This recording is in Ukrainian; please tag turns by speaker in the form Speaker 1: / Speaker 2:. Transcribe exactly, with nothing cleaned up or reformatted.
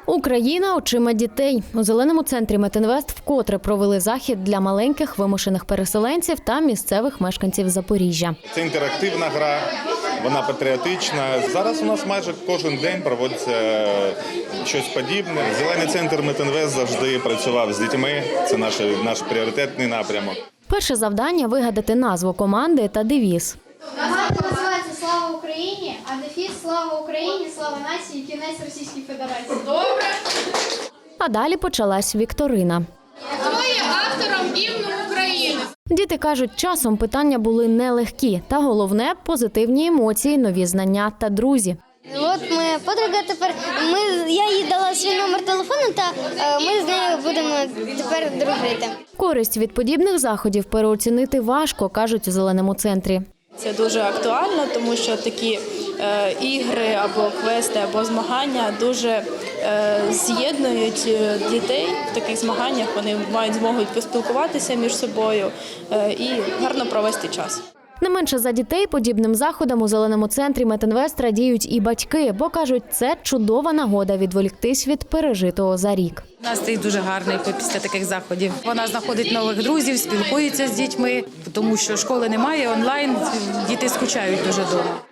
Speaker 1: Україна очима дітей. У Зеленому центрі Метінвест вкотре провели захід для маленьких вимушених переселенців та місцевих мешканців Запоріжжя.
Speaker 2: Це інтерактивна гра, вона патріотична. Зараз у нас майже кожен день проводиться щось подібне. Зелений центр Метінвест завжди працював з дітьми. Це наш, наш пріоритетний напрямок.
Speaker 1: Перше завдання – вигадати назву команди та девіз.
Speaker 3: Команда називається «Слава Україні», а дефіс «Слава Україні, слава нації, кінець Російській Федерації». Добре!
Speaker 1: А далі почалась вікторина.
Speaker 3: Хто є автором гімну України?
Speaker 1: Діти кажуть, часом питання були нелегкі. Та головне – позитивні емоції, нові знання та друзі.
Speaker 4: От моя подруга тепер, ми, я їй дала свій номер телефону, та е, ми з нею будемо тепер дружити.
Speaker 1: Користь від подібних заходів переоцінити важко, кажуть у Зеленому центрі.
Speaker 5: Це дуже актуально, тому що такі е, ігри або квести, або змагання дуже е, з'єднують дітей в таких змаганнях. Вони мають змогу поспілкуватися між собою е, і гарно провести час.
Speaker 1: Не менше за дітей подібним заходам у Зеленому центрі Метінвест радіють і батьки, бо кажуть, це чудова нагода відволіктись від пережитого за рік.
Speaker 6: Настрій дуже гарний після таких заходів. Вона знаходить нових друзів, спілкується з дітьми, тому що школи немає, онлайн, діти скучають дуже вдома.